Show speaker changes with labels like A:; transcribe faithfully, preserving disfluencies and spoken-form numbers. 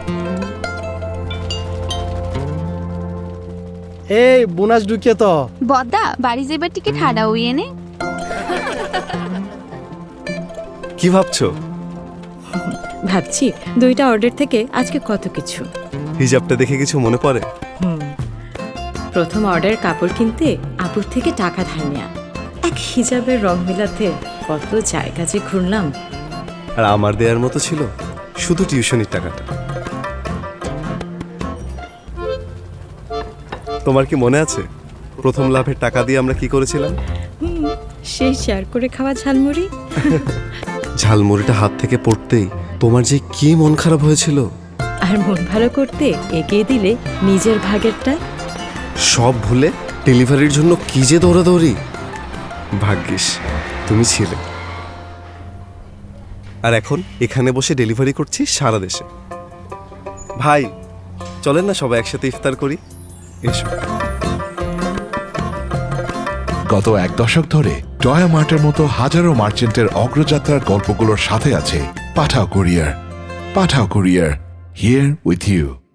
A: এই বোনাস ঢুকিয়ে তো
B: বদ্দা বাড়ি যাবার টিকিট হারাও এনে
C: কি ভাবছো?
D: ভাবছি দুইটা অর্ডার থেকে আজকে কত কিছু।
C: হিজাবটা দেখে কিছু মনে পড়ে?
D: প্রথম অর্ডার কাপড় কিনতে আপুর থেকে টাকা ধার নেয়া, এক হিজাবের রং মেলাতে কত জায়গা যে ঘুরলাম।
C: আর আমার দেয়ার মতো ছিল শুধু টিউশনির টাকাটা। তোমার কি মনে আছে প্রথম লাভের টাকা দিয়ে আমরা কি করেছিলাম?
D: সেই শেয়ার করে খাওয়া ঝালমুড়ি।
C: ঝালমুড়িটা হাত থেকে পড়তেই তোমার যে কি মন খারাপ হয়েছিল।
D: আর মন ভালো করতে এগিয়ে দিলে নিজের ভাগেরটা।
C: সব ভুলে ডেলিভারির জন্য কি যে দৌড়াদৌড়ি। ভাগ্যিস তুমি ছিলে। আর এখন এখানে বসে ডেলিভারি করছি সারা দেশে। ভাই চলেন না সবাই একসাথে ইফতার করি। এসো।
E: গত এক দশক ধরে টয়া মার্টের মতো হাজারো মার্চেন্টের অগ্রযাত্রার গল্পগুলোর সাথে আছে Pathao courier. Pathao courier, here with you.